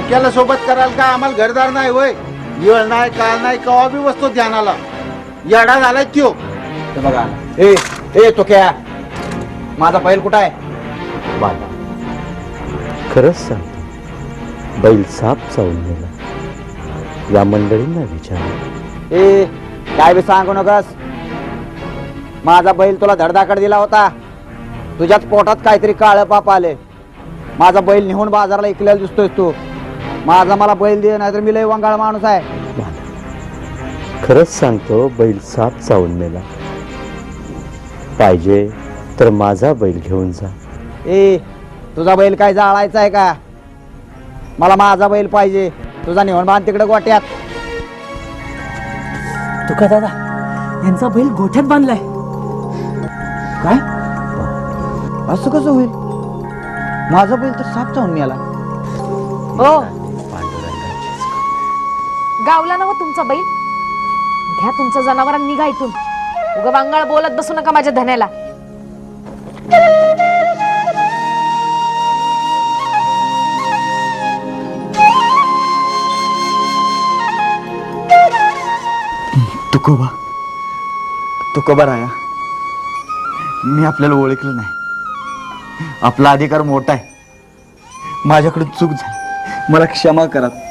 तुमक्याला सोबत कराल का? आम्हाला घरदार नाही होय, येळ नाही काळ नाही, कवा बी वस्तू ध्यानाला येडा झालाय त्यो. ते बघा ए ए तो क्या माझा बैल कुठं आहे? बाला, खरंच सांगतो, बैल साप चावून गेला. या मंडळींना विचार. ए काय बी सांगू नकस. माझा बैल तुला धडधाकड दिला होता. तुझ्याच पोटात काहीतरी काळं पाप आले. माझा बैल निहून बाजारला इकलेला दिसतोय तू. माझा मला बैल दे, नाहीतर मी लय वंगाळ माणूस आहे. बाला, खरंच सांगतो, बैल साप चावून मेला. पाहिजे तर माझा बैल घेऊन जा. ए तुझा बैल काय जाळायचा आहे का? मला माझा बैल पाहिजे. तुझा निहून बांध तिकडे गोट्यात. तुका दादा, यांचा बैल गोठ्यात बांधलाय. काय असं कसं होईल? माझा बैल तर साप चावून मेला. हो, गावला ना तुमचा बैल. घ्या तुमचं जनावरांनी निघा इथून. उगा वांगाळ बोलत बसू नका माझ्या धन्याला. तुकोबा तुकोबा राया, मी आपल्याला ओळखलं नाही. आपला अधिकार मोठा आहे. माझ्याकडून चूक झाली, मला क्षमा करा.